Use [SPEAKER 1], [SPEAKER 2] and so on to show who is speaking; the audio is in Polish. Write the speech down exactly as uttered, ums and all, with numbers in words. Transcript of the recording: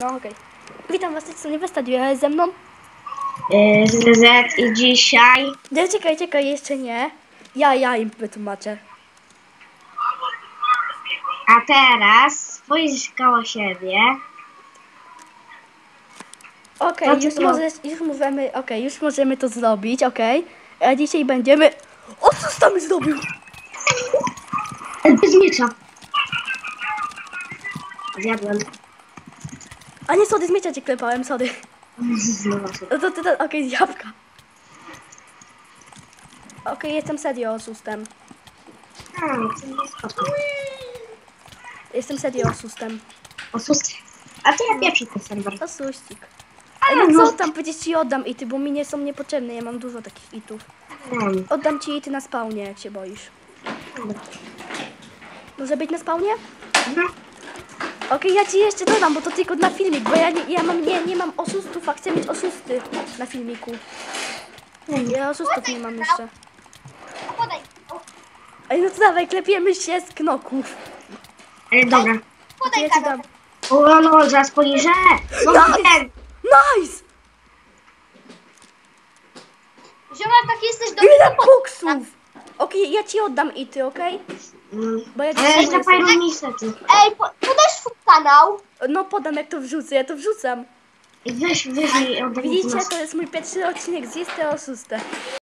[SPEAKER 1] No okej. Witam was, z tej strony Westadiu, ze mną.
[SPEAKER 2] Yy, Z Z i dzisiaj.
[SPEAKER 1] Nie, czekaj, czekaj, jeszcze nie. Ja, ja im wytłumaczę.
[SPEAKER 2] A teraz spójrz koło siebie.
[SPEAKER 1] Okej,
[SPEAKER 2] No to
[SPEAKER 1] już,
[SPEAKER 2] co?
[SPEAKER 1] możesz, już możemy, okej, już możemy to zrobić, okej. A dzisiaj będziemy... O, co tam zrobił?
[SPEAKER 2] Bez miecza. Zjadłem.
[SPEAKER 1] A nie, sorry, z miecza cię klepałem, sorry.
[SPEAKER 2] Znowu się.
[SPEAKER 1] No to ty, to, okej, z jabłka. Okej, jestem serio oszustem.
[SPEAKER 2] A, to nie spoko.
[SPEAKER 1] Jestem serio oszustem.
[SPEAKER 2] Osus. A to ja pierwszy ten serwer.
[SPEAKER 1] Osuścik.
[SPEAKER 2] A,
[SPEAKER 1] Ej, no
[SPEAKER 2] no.
[SPEAKER 1] co tam, przecież ci oddam ity, bo mi nie są niepotrzebne, ja mam dużo takich itów.
[SPEAKER 2] Wiem.
[SPEAKER 1] Oddam ci ity na spawnie, jak się boisz. Może być na spawnie?
[SPEAKER 2] Mhm.
[SPEAKER 1] Okej, ja ci jeszcze dodam, bo to tylko na filmik, bo ja nie, ja mam, nie, nie mam oszustów, a chcę mieć oszusty na filmiku. Ja oszustów nie mam jeszcze.
[SPEAKER 3] Podaj.
[SPEAKER 1] Ej, no to dawaj, klepiemy się z knoków.
[SPEAKER 2] Ale dobra.
[SPEAKER 1] To
[SPEAKER 3] Podaj
[SPEAKER 1] ja ci
[SPEAKER 3] kanał.
[SPEAKER 1] dam.
[SPEAKER 2] O, no, zaraz poniżę. No,
[SPEAKER 1] Nice!
[SPEAKER 2] wiem.
[SPEAKER 1] Nice!
[SPEAKER 3] Ziomal, tak jesteś do
[SPEAKER 1] Ile
[SPEAKER 3] mnie, to
[SPEAKER 1] koksów! Okej, ja ci oddam ity, okej?
[SPEAKER 2] Mm.
[SPEAKER 1] Bo ja ci
[SPEAKER 2] Ale
[SPEAKER 1] potrzebuję
[SPEAKER 2] jeszcze fajną
[SPEAKER 1] sobie-
[SPEAKER 2] niestety.
[SPEAKER 3] Ej, po, podasz swój kanał.
[SPEAKER 1] No podam, jak to wrzucę, ja to wrzucam.
[SPEAKER 2] Weź, weź mi oddaj mi
[SPEAKER 1] Widzicie,
[SPEAKER 2] nas.
[SPEAKER 1] to jest mój pierwszy odcinek z Jestem Oszustem.